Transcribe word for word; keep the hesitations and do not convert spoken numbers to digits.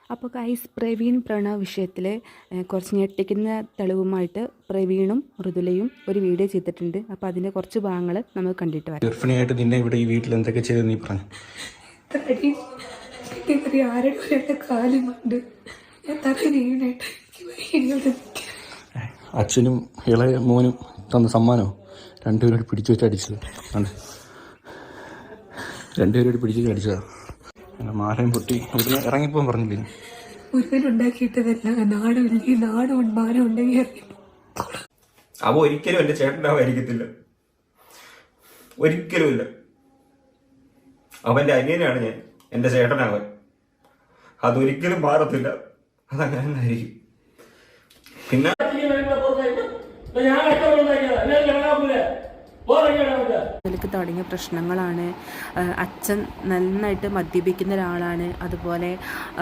അപ്പോൾ ഗൈസ് പ്രവീൺ പ്രണവ് വിഷയത്തിൽ കുറച്ച് ഞെട്ടിക്കുന്ന തെളിവുമായിട്ട് പ്രവീണും മൃദുലയും ഒരു വീഡിയോ ചെയ്തിട്ടുണ്ട്. അപ്പോൾ അതിൻ്റെ കുറച്ച് ഭാഗങ്ങൾ നമുക്ക് കണ്ടിട്ട് വരാം. ഗർഭിണിയായിട്ട് നിന്നെ ഇവിടെ ഈ വീട്ടിൽ എന്തൊക്കെ ചെയ്ത് നീ പറഞ്ഞു? അച്ഛനും ഇളയ മോനും തന്ന സമ്മാനമോ രണ്ടുപേരോട് പിടിച്ചു വെച്ച് അടിച്ചത് ആണ്. രണ്ടുപേരോട് പിടിച്ചു വെച്ച് അടിച്ചതാ. മാലയും പൊട്ടി അവിടെ ഇറങ്ങിപ്പോൻ പറഞ്ഞില്ലേ? അവ ഒരിക്കലും എന്റെ ചേട്ടനാവായിരിക്കത്തില്ല, ഒരിക്കലും ഇല്ല. അവന്റെ അനിയനാണ് ഞാൻ, എന്റെ ചേട്ടനാവൻ. അതൊരിക്കലും മാറത്തില്ല, അതങ്ങനെ തന്നെ ആയിരിക്കും. പിന്നെ ഇതിലേക്ക് തുടങ്ങിയ പ്രശ്നങ്ങളാണ്. അച്ഛൻ നന്നായിട്ട് മദ്യപിക്കുന്ന ഒരാളാണ്. അതുപോലെ